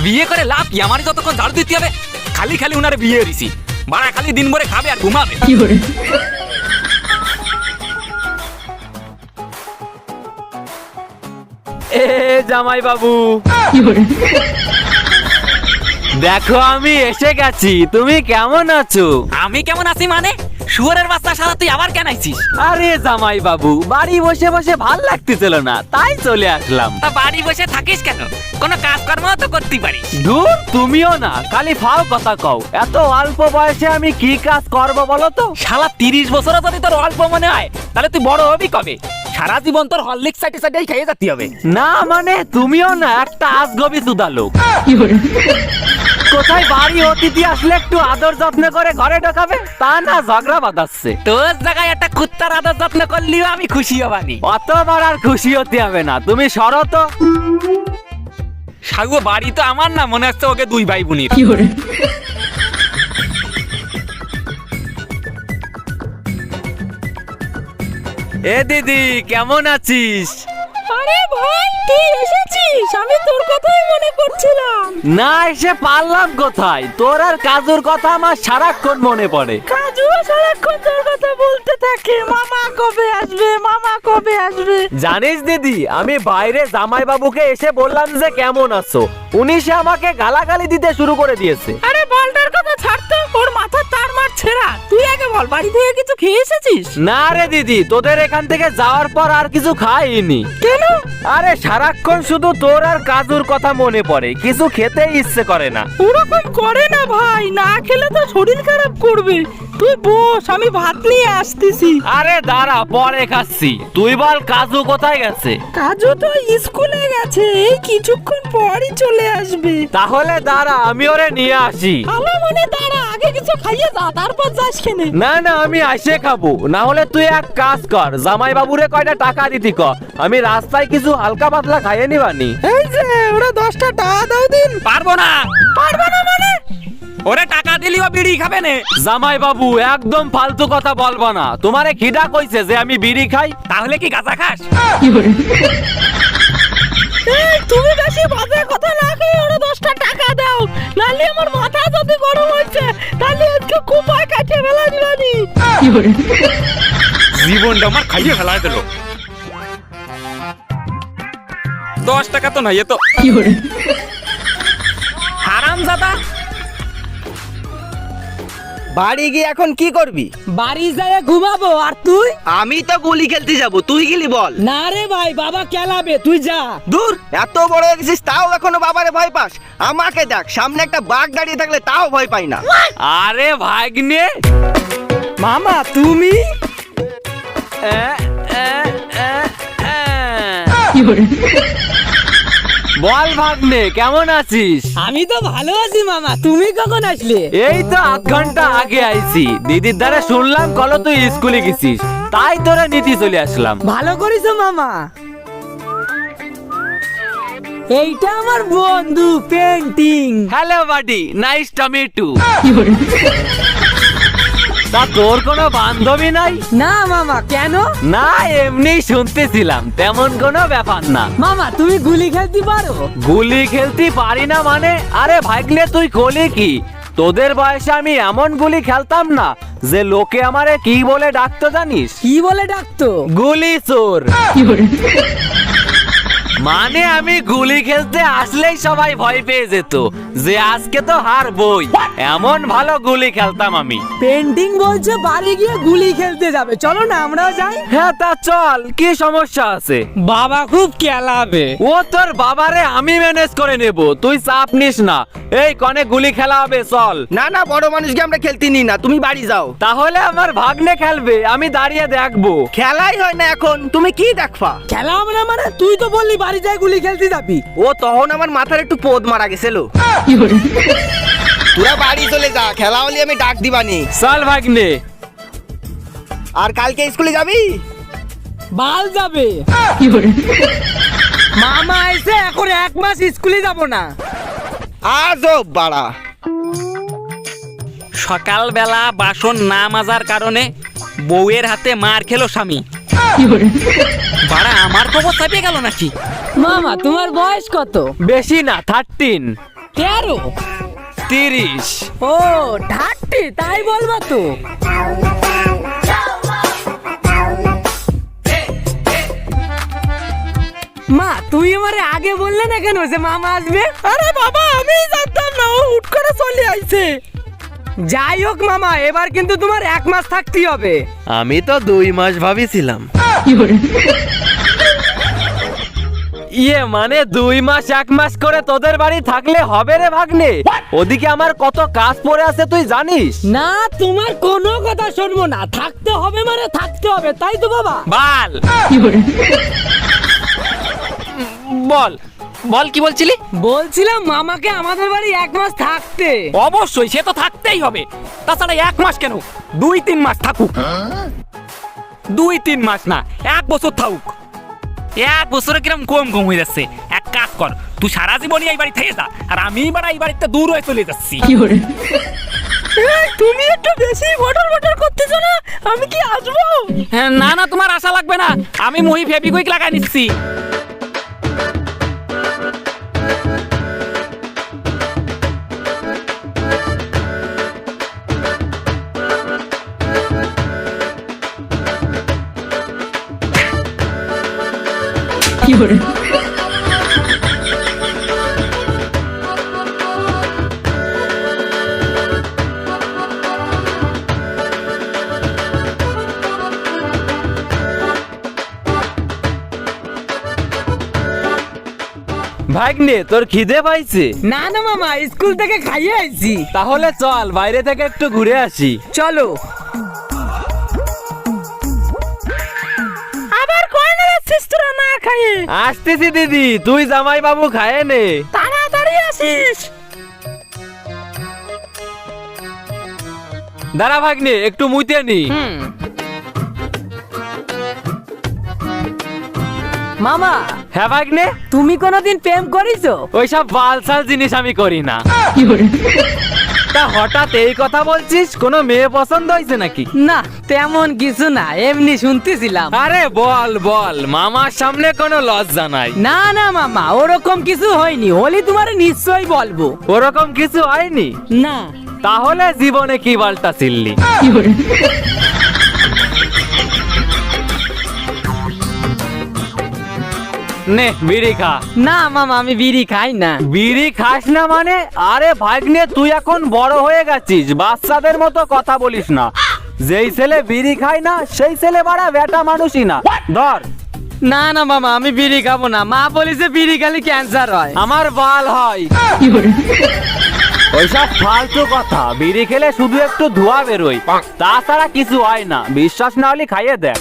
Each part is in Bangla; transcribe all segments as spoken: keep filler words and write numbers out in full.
বিয়ে করে লাভ কি? আমারই যতক্ষণ ঝাড়ু দিতে হবে। খালি খালি উনারে বিয়ে দিছি, বাড়া খালি দিন ভরে খাবে আর ঘুমাবে। এ জামাই বাবু, দেখো আমি এসে গেছি। তুমি কেমন আছো? আমি কেমন আছি মানে? শুয়োরের বাচ্চা সারা তুই আবার কেন আইছিস? আরে জামাই বাবু, বাড়ি বসে বসে ভাল লাগতেছিল না, তাই চলে আসলাম। তা বাড়ি বসে থাকিস কেন? কোনো কাজকর্ম তো করতে পারিস। দূর, তুমিও না, খালি ফাও কথা কও। এত অল্প বয়সে আমি কি কাজ করব বলো তো? শালা তিরিশ বছর যদি তোর অল্প মনে হয়, তাহলে তুই বড় হবি কবে? সারা জীবন তোর হরলিক্স সাইডে সাইডেই খেয়ে যেতে হবে। না মানে তুমিও না একটা আজগবি সুদা লোক। কোথায় বাড়ি অতিথি আসলে একটু আদর যত্ন করে ঘরে ঢোকাবে, তা না ঝগড়া বাঁধাচ্ছে। তোর জায়গায় একটা কুত্তার আদর যত্ন করলেও আমি খুশি হবানি। অতবার আর খুশি হতে হবে না, তুমি সরো তো। সাগু বাড়ি তো আমার না, মনে হচ্ছে ওকে দুই ভাই বোনের। এ দিদি, কেমন আছিস? আরে ভাই, তুই এসেছিস? আমি তোর কথাই মনে করছিলাম। না এসে পারলাম কোথায়? তোর আর কাজুর কথা আমার সারাক্ষণ মনে পড়ে। কাজুও সারাক্ষণ তোর কথা বলতে থাকে, মামা কবে আসবে, মামা কবে আসবে। জানিস দিদি, আমি বাইরে জামাই বাবুকে এসে বললাম যে কেমন আছো, উনি সে আমাকে গালাগালি দিতে শুরু করে দিয়েছে। আরে বলটার কথা ছাড় তো, ওর মাথা তার মার ছেঁড়া। তুই আগে বল, বাড়ি থেকে কিছু খেয়ে এসেছিস? না রে দিদি, তোদের এখান থেকে যাওয়ার পর আর কিছু খাইনি। কেন? আরে সারাক্ষণ শুধু তোর আর কাজুর কথা মনে পড়ে, কিছু খেতে ইচ্ছে করে না। ওরকম করে না ভাই, না খেলে তো শরীর খারাপ করবে। তুই বস, আমি ভাত নিয়ে আসতেছি। আরে দাঁড়া, পরে খাচ্ছি। তুই বল কাজু কোথায় গেছে? কাজু তো স্কুলে গেছে, এই কিছুক্ষণ পরই চলে আসবে। তাহলে দাঁড়া, আমি ওরে নিয়ে আসি। ভালো মনে দাঁড়া, আগে কিছু খাইয়ে যা, তারপর যাস কেনে। না না, আমি আসে খাবো। না হলে তুই এক কাজ কর, জামাই বাবুরে কয়টা টাকা দিতি ক, আমি রাস্তায় কিছু হালকা পাতলা খাইয়ে নিবানি। এই যে ওরা দশটা টাকা দাও দিন। পারবো না। পারবে না মানে? ওরে টাকা দিলিও বিড়ি খাবে না। জামাই বাবু, একদম ফালতু কথা বলবা না। তোমারে খিদা কইছে যে আমি বিড়ি খাই? তাহলে কি গাঁজা খাস? এই তুমি বেশি বাজে কথা না কই, ওরা দশটা টাকা দাও, নালে আমার মাথা যদি গরম হচ্ছে, তাহলে আজকে কুপায় কাটে ফেলা দিবানি। জীবনটা আমার খাইয়ে ফেলা দিল। দশ টাকা তো নাই, এ তো হারামজাদা। বাড়ি গিয়ে এখন কি করবি? বাড়ি যায় ঘুমাবো। আর তুই? আমি তো গুলি খেলতে যাব, তুই গেলি বল। না রে ভাই, বাবা কেলাবে, তুই যা। দূর, এত বড় হয়ে গেছিস তাও এখনো বাবারে ভয় পাস? আমাকে দেখ, সামনে একটা বাঘ দাঁড়িয়ে থাকলে তাও ভয় পাই না। আরে ভাগ্নে, মামা তুমি? এ, এ, এ, এ। বল ভাগ্নে, কেমন আছিস? আমি তো ভালো আছি মামা, তুমি কখন আসলে? এই তো আধ ঘন্টা আগে আইছি। দিদির দ্বারা শুনলাম কলো তুই স্কুলে গেছিস, তাই তোরা নিতে চলে আসলাম। ভালো করেছো মামা। এইটা আমার বন্ধু painting. Hello buddy, nice to meet you. তা তোর কোনো বান্ধবী নাই? না মামা, কেন? না এমনি শুনতেছিলাম, তেমন কোনো ব্যাপার না। মামা তুমি গুলি খেলতে পারো? গুলি খেলতে পারি না মানে? আরে ভাইগলে তুই কলি কি? তোদের বয়সে আমি এমন গুলি খেলতাম না যে লোকে আমারে কি বলে ডাকতো জানিস? কি বলে ডাকতো? গুলি চোর। মানে আমি গুলি খেলতে আসলেই সবাই ভয় পেয়ে যেত যে আজকে তো হারবই, এমন ভালো গুলি খেলতাম আমি। পেন্টিং বলছে বাড়ি গিয়ে গুলি খেলতে যাবে, চলো না আমরাও যাই। হ্যাঁ তা চল, কি সমস্যা আছে? বাবা খুব কেলাবে। ও তোর বাবারে আমি ম্যানেজ করে নেব, তুই চাপ নিস না। এই কনে গুলি খেলা হবে, চল। না না, বড় মানুষকে আমরা খেলতে নি না, তুমি বাড়ি যাও। তাহলে আমার ভাগ্নে খেলবে, আমি দাঁড়িয়ে দেখবো। খেলাই হয় না এখন, তুমি কি দেখবা? খেলা হবে না মানে? তুই তো বললি বাড়ি যাই গুলি খেলতে যাবি। ও তখন আমার মাথার একটু পোদ মারা গেছিল। তোরা বাড়ি চলে যা, খেলা হলে আমি ডাক দিবানি। চল ভাগ্নে। আর কালকে স্কুলে যাবি? বাল যাবে। মামা এসে এখন এক মাস স্কুলে যাব না। আজও বাড়া। সকালবেলা বাসন না মাজার কারণে বউয়ের হাতে মার খেলো স্বামী। বাড়া আমার খবর চাপিয়ে গেল নাকি? মামা তোমার বয়স কত? বেশি না, থার্টিন। তেরো। তিরিশ। ও ঠাট্টি, তাই বলবা তো। মা তুই আমারে আগে বললে না কেন যে মামা আসবে? আরে বাবা আমি জানতাম না, ও হুট করে চলে আইছে। যাই হোক মামা, এবার কিন্তু তোমার এক মাস থাকতেই হবে। আমি তো দুই মাস ভাবিছিলাম। ইয়ে মানে দুই মাস এক মাস করে তোদের বাড়ি থাকলে হবে রে ভাগ্নে? ওদিকে আমার কত কাজ পড়ে আছে তুই জানিস? না তোমার কোনো কথা শুনবো না, থাকতে হবে মানে থাকতে হবে, তাই তো বাবা? বাল বল বল কি বলছিলি? বলছিলাম মামাকে আমাদের বাড়ি এক মাস থাকতে। অবশ্যই, সে তো থাকতেই হবে। তাছাড়া এক মাস কেন, দুই তিন মাস থাকুক। দুই তিন মাস না, এক বছর থাকুক। এক বছরে কিরম কম কম হয়ে যাচ্ছে। এক কাজ কর, তুই সারা জীবনই এই বাড়ি থেকে যা, আর আমি এবার এই বাড়িতে দূর হয়ে চলে যাচ্ছি। এই, তুমি একটু বেশি বটর বটর করতেছো না, আমি কি আসবো? হ্যাঁ, না না তোমার আশা লাগবে না, আমি মুহি ফেবিকুইক লাগাই নিচ্ছি। ভাগ্নে তোর খিদে পাইছে? না না মামা, স্কুল থেকে খাইয়ে আইছি। তাহলে চল বাইরে থেকে একটু ঘুরে আসি। চলো। আবার কয় না যাচ্ছিস তোরা না খাইয়ে? আসতেছি দিদি, তুই জামাই বাবু খায় নে। তাড়াতাড়ি আসিস। দাঁড়া ভাগ্নে, একটু মুইতে নি। মামা হ্যাঁ ভাগ্নে, তুমি কোনোদিন প্রেম করিছো? ওইসব বালসাল জিনিস আমি করি না। তা হঠাৎ এই কথা বলছিস, কোনো মেয়ে পছন্দ হয়েছে নাকি? না তেমন কিছু না, এমনি শুনতেছিলাম। আরে বল বল, মামার সামনে কোনো লজ্জা নাই। না না মামা, ওরকম কিছু হয়নি, হলি তোমার নিশ্চয়ই বলবো। ওরকম কিছু হয়নি? না। তাহলে জীবনে কি বালটা ছিললি? নে বিড়ি খা। না মামা, আমি বিড়ি খাই না। বিড়ি খাস না মানে? আরে ভাগ্নে তুই এখন বড় হয়ে গেছিস, বাচ্চাদের মতো কথা বলিস না। যেই ছেলে বিড়ি খায় না সেই ছেলে বাড়া বেটা মানুষই না। ধর। না না মামা, আমি বিড়ি খাবো না, মা বলেছে বিড়ি খালি ক্যান্সার হয়। আমার বাল হয়। ওইসব ফালতু কথা, বিড়ি খেলে শুধু একটু ধোঁয়া বেরোয়, তাছাড়া কিছু হয় না। বিশ্বাস না হলে খাইয়ে দেখ।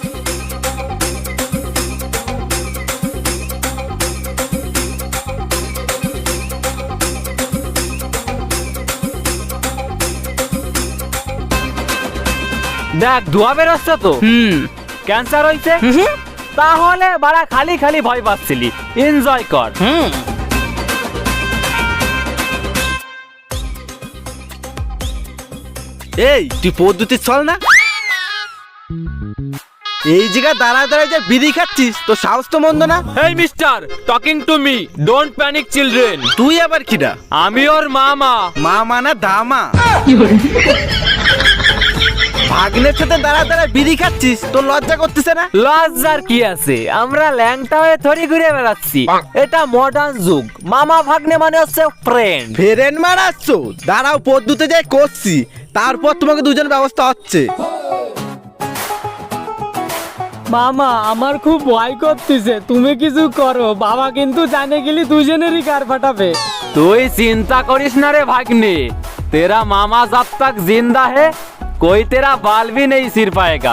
দেখ ধোঁয়া বেরোচ্ছে তো। হুম। ক্যান্সার হয়েছে? হুম। তাহলে বাড়া খালি খালি ভয় পাচ্ছিলি। এনজয় কর। হুম। এই তুই পদ্ধতি চল না, এই জায়গা দাঁড়া দাঁড়ায় যে বিড়ি খাচ্ছিস, তো সাহস তো মন্দ না। Hey mister, talking to me, don't panic children. তুই আবার কিডা? আমি ওর মামা। মামা না দামা? ভাগ্নের সাথে দাঁড়া দাঁড়া বিড়ি খাচ্ছিস, তোর লজ্জা করতেছে না? লজ্জার কি আছে, আমরা ল্যাংটা হয়ে থরি ঘুরে বেড়াচ্ছি। এটা মডার্ন যুগ, মামা ভাগ্নে মানে হচ্ছে ফ্রেন্ড। ফেরেন মারাচ্ছ? দাঁড়াও, পদ্ধতি যাই করছি, তারপর তোমাকে দুজন ব্যবস্থা হচ্ছে। মামা আমার খুব ভয় করতেছে, তুমি কিছু করো, বাবা কিন্তু জানে গেলি দুজনেরই কার ফাটাবে। তুই চিন্তা করিস না রে भागने, तेरा मामा जब तक जिंदा है कोई तेरा बाल भी नहीं सिर पाएगा।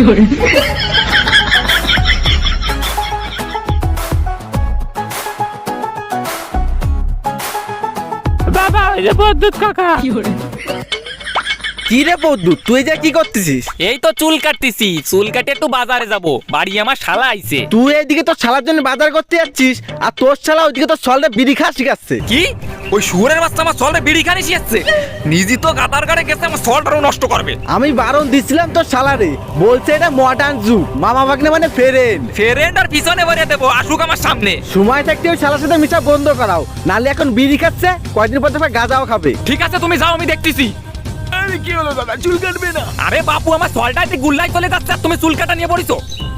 বাবা এই যে বদ্দুত কাকা। কি রে বৌদ্ধু, তুই যা কি করতেছিস? এই তো চুল কাটতেছি, চুল কাটে একটু বাজারে যাব, বাড়ি আমার শালা আইছে। তুই এইদিকে তোর শালার জন্য বাজার করতে যাচ্ছিস, আর তোর শালা ওইদিকে তোর সলটা বিড়ি খাওয়া শিখাচ্ছে। কি ওই শুয়োরের বাচ্চা আমার সলটা বিড়ি খানি শিয়েছে, নিজে তো গাতার গাড়ে গেছে আমার সলটারও নষ্ট করবে। আমি বারণ দিছিলাম তো শালারে, বলছে এটা মডার্ন যুগ, মামা ভাগ্নে মানে ফেরেন। ফেরেন্ড আর পিছনে বাড়িয়ে দেবো, আসুক আমার সামনে। সময় থাকতে ওই শালার সাথে মিশা বন্ধ করাও, নালে এখন বিড়ি খাচ্ছে, কয়দিন পর দেখবে গাঁজাও খাবে। ঠিক আছে তুমি যাও, আমি দেখতেছি। আরে কি হলো দাদা, চুল কাটবে না? আরে বাপু আমার সলটাতে গুল্লাই চলে যাচ্ছে আর তুমি চুল কাটা নিয়ে পড়িছো।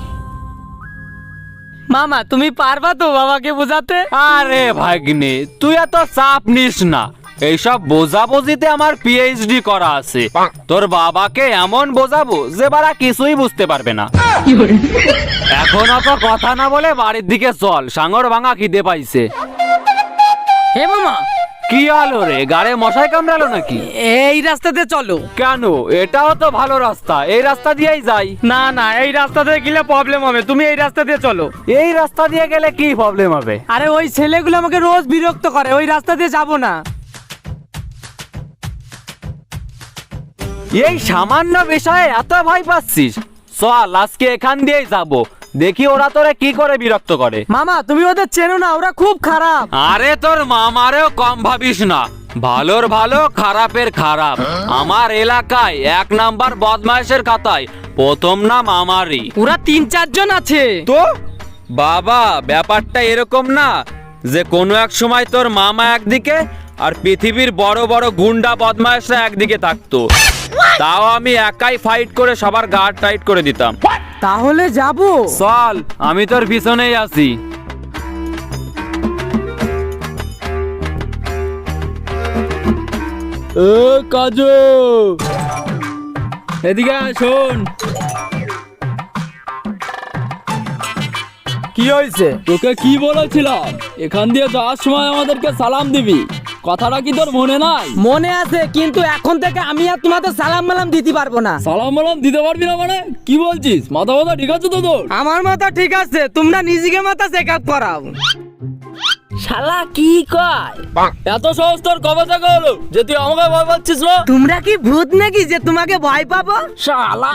মামা তুমি পারবা তো বাবাকে বোঝাতে? আরে ভাগ্নে তুই এত চাপ নিস না, এইসব বোঝাবুঝিতে আমার পিএইচডি করা আছে। তোর বাবাকে এমন বোঝাবো যে বারা কিছুই বুঝতে পারবে না। এখন অত কথা না বলে বাড়ির দিকে চল, সাঙর ভাঙা খিদে পাইছে। হে মামা, কি আলো রে, গাড়ে মশাই কামড়ালো নাকি? এই রাস্তাতে চলো। কেন, এটাও তো ভালো রাস্তা, এই রাস্তা দিয়েই যাই। না না, এই রাস্তা দিয়ে গেলে প্রবলেম হবে, তুমি এই রাস্তা দিয়ে চলো। এই রাস্তা দিয়ে গেলে কি প্রবলেম হবে? আরে ওই ছেলেগুলো আমাকে রোজ বিরক্ত করে, ওই রাস্তা দিয়ে যাবো না। এই সামান্য বিষয়ে এত ভয় পাচ্ছিস? চল আজকে এখান দিয়েই যাব, দেখি ওরা তোরে কি করে বিরক্ত করে। মামা তুমি ওদের চেনো না, ওরা খুব খারাপ। আরে তোর মামারেও কম ভাবিস না, ভালোর ভালো খারাপের খারাপ। আমার এলাকায় এক নাম্বার বদমাইশের খাতায় প্রথম নাম আমারই। ওরা তিন চারজন আছে। তো বাবা, ব্যাপারটা এরকম না যে কোনো এক সময় তোর মামা একদিকে আর পৃথিবীর বড় বড় গুন্ডা বদমাইশরা একদিকে থাকতো, তাও আমি একাই ফাইট করে সবার গার্ড টাইট করে দিতাম। তাহলে যাবো। চল, আমি তোর পিছনেই আছি। ও কাজু, এদিকে আয়, শোন। কি হয়েছে? তোকে কি বলেছিলাম, এখান দিয়ে যাওয়ার সময় আমাদেরকে সালাম দিবি, কথাটা কি তোর মনে নাই? মনে আছে, কিন্তু এখন থেকে আমি আর তোমাদের সালাম মালাম দিতে পারবো না। সালাম মালাম দিতে পারবি না মানে কি বলছিস? মাথা মাথা ঠিক আছে তো তোর? আমার মাথা ঠিক আছে, তোমরা নিজেকে মাথা চেক আপ করাও। শালা কি কয়? এত সহজ তোর কবে থেকে হলো যে তুই আমাকে ভয় পাচ্ছিস না? তোমরা কি ভূত নাকি যে তোমাকে ভয় পাবো? শালা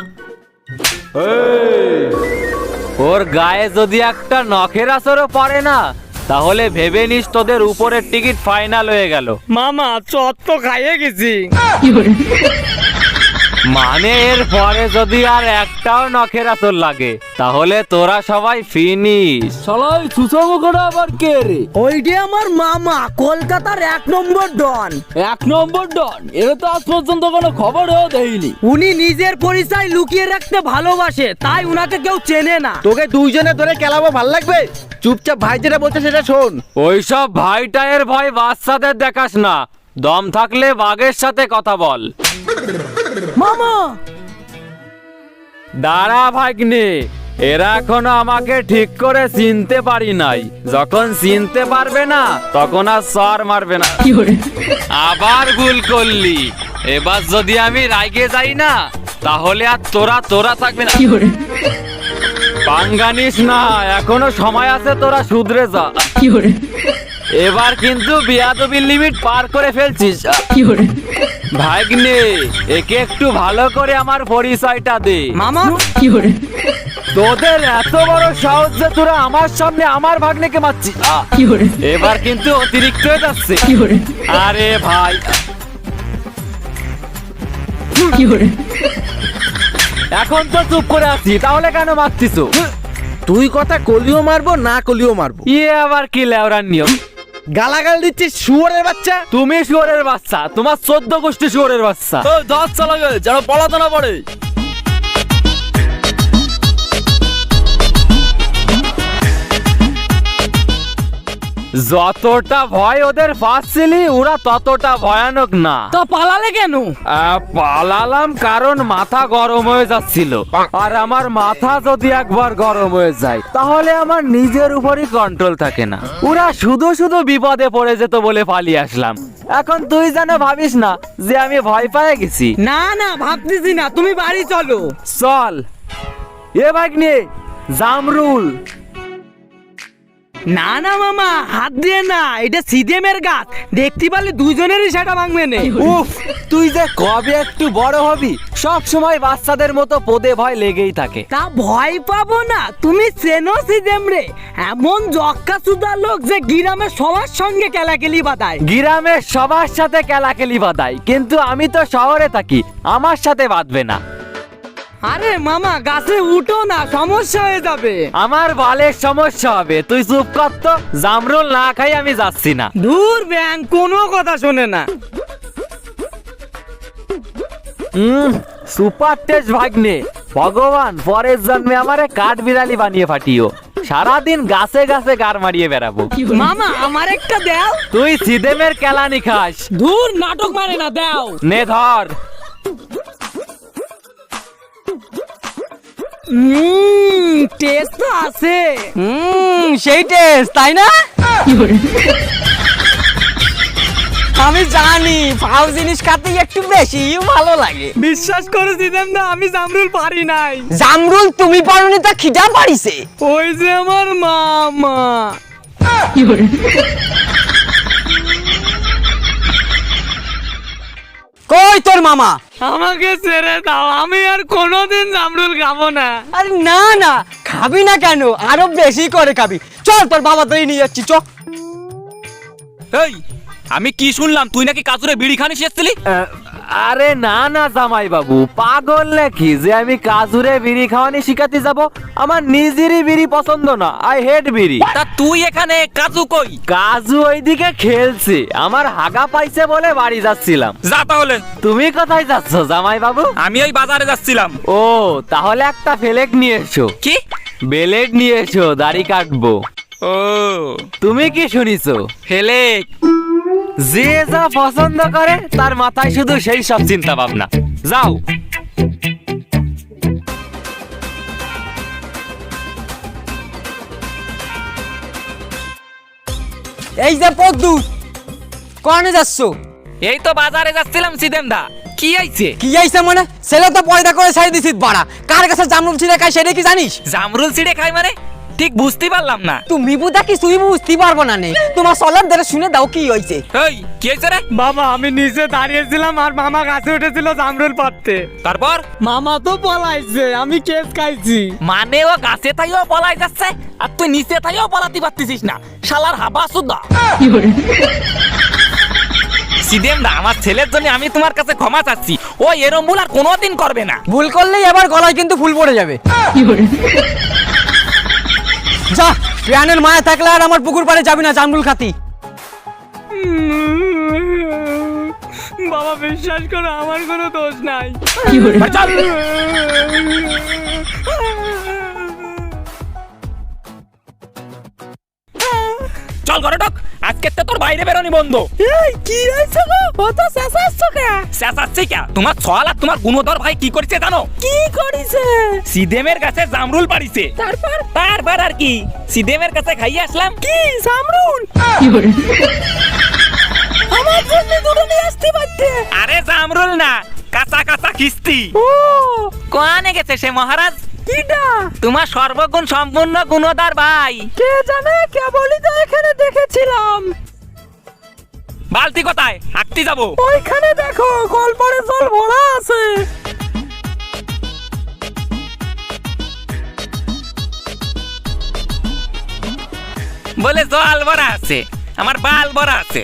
ওর গায়ে যদি একটা নখের আসরও পড়ে না, তাহলে ভেবে নিস তোদের উপরের টিকিট ফাইনাল হয়ে গেল। মামা চট তো খাইয়ে গেছি। মানে এর পরে যদি আর একটাও নখের আসর লাগে, তাহলে তোরা সবাই ফিনিশ। শালা ওই সুসমুখটা আবার কে রে? ওইটি আমার মামা, কলকাতার এক নম্বর ডন। এক নম্বর ডন? এর তো আজ পর্যন্ত কোনো খবরও দেয়নি। উনি নিজের পরিচয় লুকিয়ে রাখতে ভালোবাসে, তাই উনাকে কেউ চেনে না। তোকে দুইজনে ধরে খেলাবো, ভাল লাগবে? চুপচাপ ভাই যেটা বলছে সেটা শোন। ওইসব ভাইটায়ের ভয় বাচ্চাদের দেখাস না, দম থাকলে বাঘের সাথে কথা বল। মামা দাঁড়া ভাগ্নে, এরা এখনো আমাকে ঠিক করে চিনতে পারি নাই, যখন চিনতে পারবে না তখন আর সর মারবে না। আবার ভুল করলি, এবার যদি আমি রাইগে যাই না, তাহলে আর তোরা তোরা থাকবে না। পাঙ্গানিস না, এখনো সময় আছে, তোরা শুধরে যা। এবার কিন্তু বিয়াদবির লিমিট পার করে ফেলছিস। ভাগ্নে, একে একটু ভালো করে আমার পরিচয়টা দে। মামা তোদের এত বড় সাহস যে তোরা আমার সামনে আমার ভাগ্নেকে মারছিস, আহ! এবার কিন্তু অতিরিক্ত হয়ে যাচ্ছে। আরে ভাই, এখন তো চুপ করে আছি, তাহলে কেন মারছিস? তুই কথা কলিও মারবো না কলিও মারবো। ইয়ে আবার কি লেওরার নিয়ম? গালাগাল দিচ্ছিস শুয়োরের বাচ্চা। তুমি শুয়োরের বাচ্চা, তোমার চোদ্দ গোষ্ঠী শুয়োরের বাচ্চা। ওই দশ চালাবে যেন পড়াতে না পড়ে। যতটা ভয় ওদের পাচ্ছিলি, ওরা ততটা ভয়ানক না। তো পালালে কেন? আহ, পালালাম কারণ মাথা গরম হয়ে যাচ্ছিল, আর আমার মাথা যদি একবার গরম হয়ে যায় তাহলে আমার নিজের উপরই কন্ট্রোল থাকে না। ওরা শুধু শুধু বিপদে পড়ে যেত বলে পালিয়ে আসলাম। এখন তুই যেন ভাবিস না যে আমি ভয় পেয়ে গেছি। না না, ভাবতেছি না, তুমি বাড়ি চলো। চল এ ভাগ্নে, জামরুল না না মামা, হাত দিয়ে না, এটা সিদেমের গাছ, দেখতে পারলে দুজনেরই সেটা ভাঙবে না। উফ, তুই যে কবে একটু বড় হবি, সব সময় বাচ্চাদের মতো পদে ভয় লেগেই থাকে। তা ভয় পাবো না, তুমি চেনো সিদেম রে, এমন জক্কা সুদা লোক যে গ্রামের সবার সঙ্গে কেলাকেলি বাদায়। গ্রামের সবার সাথে কেলাকেলি বাঁধাই, কিন্তু আমি তো শহরে থাকি, আমার সাথে বাঁধবে না। আরে মামা গাছে উঠো না, সমস্যা হয়ে যাবে। আমার বালের সমস্যা হবে, তুই চুপ কর তো। জামরুল না খাই আমি যাচ্ছি না। দূর ব্যাং, কোনো কথা শোনে না। হুম, সুপার টেস্ট ভাগ্নে। ভগবান পরের জন্মে আমারে কাঠ বিড়ালি বানিয়ে ফাটিও, সারাদিন গাছে গাছে গার মারিয়ে বেড়াবো। মামা আমার একটা দাও। তুই সিদেমের কেলানি খাস। দূর, নাটক মানে না, দাও। নে ধর। হুম, টেস্ট তো আছে। হুম, সেই টেস্ট, তাই না? আমি জানি ফাউ জিনিস খাতে একটু বেশি ভালো লাগে। বিশ্বাস করে দিতাম না, আমি জামরুল পারি নাই। জামরুল তুমি পারোনি, তা খিদা পারিছে। ওই যে আমার মামা। কই তোর মামা? আমাকে ছেড়ে দাও, আমি আর কোনোদিন জামরুল খাবো না। আরে না না, খাবি না কেন, আরো বেশি করে খাবি। চল তোর বাবা তুই নিয়ে যাচ্ছি, চ। এই, আমি কি শুনলাম তুই নাকি কাজুরে বিড়ি খানি এসেছিলি? আহ, আরে না না জামাই বাবু, পাগল নাকি যে আমি কাজুরে বিড়ি খাওয়ানি শিখাতে যাব? আমার নিজেরই বিড়ি পছন্দ না, আই হেট বিড়ি। তা তুই এখানে, কাজু কই? কাজু ওইদিকে খেলছে, আমার হাগা পাইছে বলে বাড়ি যাচ্ছিলাম। যা তাহলে। তুমি কোথায় যাচ্ছ জামাই বাবু? আমি ওই বাজারে যাচ্ছিলাম। ও, তাহলে একটা ফেলেক নিয়ে এসো। কি? বেলেট নিয়ে এসো, দাড়ি কাটবো। ও, তুমি কি শুনিছো? ফেলেক। যে যা পছন্দ করে তার মাথায় শুধু সেই সব চিন্তা ভাবনা। যাও। এই যে পদ্দুর, কনে যাচ্ছ? এই তো বাজারে যাচ্ছিলাম সিদেম দা। কি আইছে? কি আইছে মানে? ছেলে তো পয়দা করে ছাই দিছিস বাড়া, কার কাছে জামরুল ছিঁড়ে খাই সেটা কি জানিস? জামরুল ছিঁড়ে খাই মানে? ঠিক বুঝতে পারলাম না। তুমি বুঝা কিছুই বুঝতে পারবো না নে, তোমার সলার ধরে শুনে দাও কি হয়েছে। এই, কি হয়েছে রে? বাবা, আমি নিচে দাঁড়িয়েছিলাম আর মামা গাছে উঠেছিল জামরুল পাড়তে। তারপর? মামা তো পলাইছে, আমি কেস খাইছি। মানে ও গাছে থাইও পলাই যাচ্ছে আর তুই নিচে থাইও পলাতে পারতেছিস না, শালার হাবা সুদা। সিদেম দা, আমার ছেলের জন্য আমি তোমার কাছে ক্ষমা চাচ্ছি, ও এরম ভুল আর কোনোদিন করবে না। ভুল করলেই আবার গলায় কিন্তু ফুল পড়ে যাবে। যা, প্রাণের মায়া থাকলে আর আমার পুকুর পাড়ে যাবি না জামরুল খাতি। বাবা বিশ্বাস করো, আমার কোনো দোষ নাই। ভাই, চল। চল ঘরে ঢোক, আজকে তো তোর বাইরে বেরোনি বন্ধ। এই কি হয়েছে গো, অত চেঁচাচ্ছ কে? চেঁচাচ্ছে কে? তোমার ছল আর তোমার গুণধর ভাই কি করেছে জানো? কি করেছে? সিদেমের কাছে জামরুল পাড়িছে। তারপর? তারপর আর কি, সিদেমের কাছে খাইয়ে আসলাম। কি জামরুল? আমার জন্য দুটো নিয়ে আসতে পারতে। আরে জামরুল না, কাঁচা কাঁচা কিস্তি। ও, কোয়ানে গেছে সে মহারাজ? কিটা? তোমার সর্বগুণ সম্পূর্ণ গুণধর ভাই। কে জানে, কেবলই তো এখানে দেখেছিলাম। বালতি কোথায়? হাঁটতে যাবো। ওইখানে দেখো, কলপরে জল ভরা আছে। বলে জল ভরা আছে, আমার বাল ভরা আছে।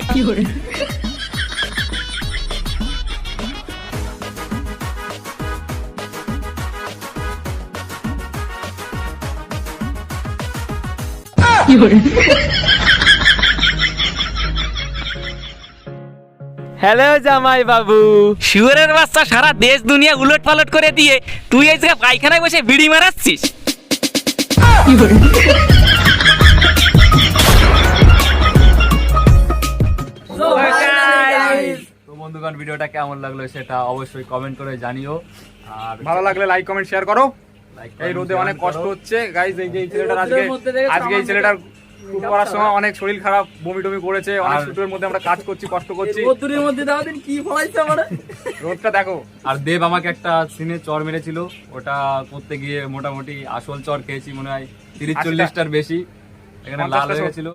হ্যালো জামাই বাবু। শুয়োরের বাচ্চা সারা দেশ দুনিয়া উলট পালট করে দিয়ে তুই এই জায়গায় পায়খানায় বসে বিড়ি মারাচ্ছিস। তো বন্ধুগণ, ভিডিওটা কেমন লাগলো সেটা অবশ্যই কমেন্ট করে জানিও। আর ভালো লাগলে লাইক কমেন্ট শেয়ার করো। like, এই comment, রোদে share অনেক করো। কষ্ট হচ্ছে গাইজ। এই যে এই ছেলেটার আজকে আজকে এই ছেলেটার শুট করার সময় অনেক শরীর খারাপ, বমি টমি করেছে। অনেক আর- শুটের মধ্যে আমরা কাজ করছি, কষ্ট করছি। রোদ্দুরের মধ্যে দাও দিন কি ফলাইছে আমারে। রোদটা দেখো। আর দেব আমাকে একটা সিনে চর মেরেছিল, ওটা করতে গিয়ে মোটামুটি আসল চর খেয়েছি মনে হয় তিরিশ আশিটা। চল্লিশটার বেশি। এখানে লাল হয়ে গেছিল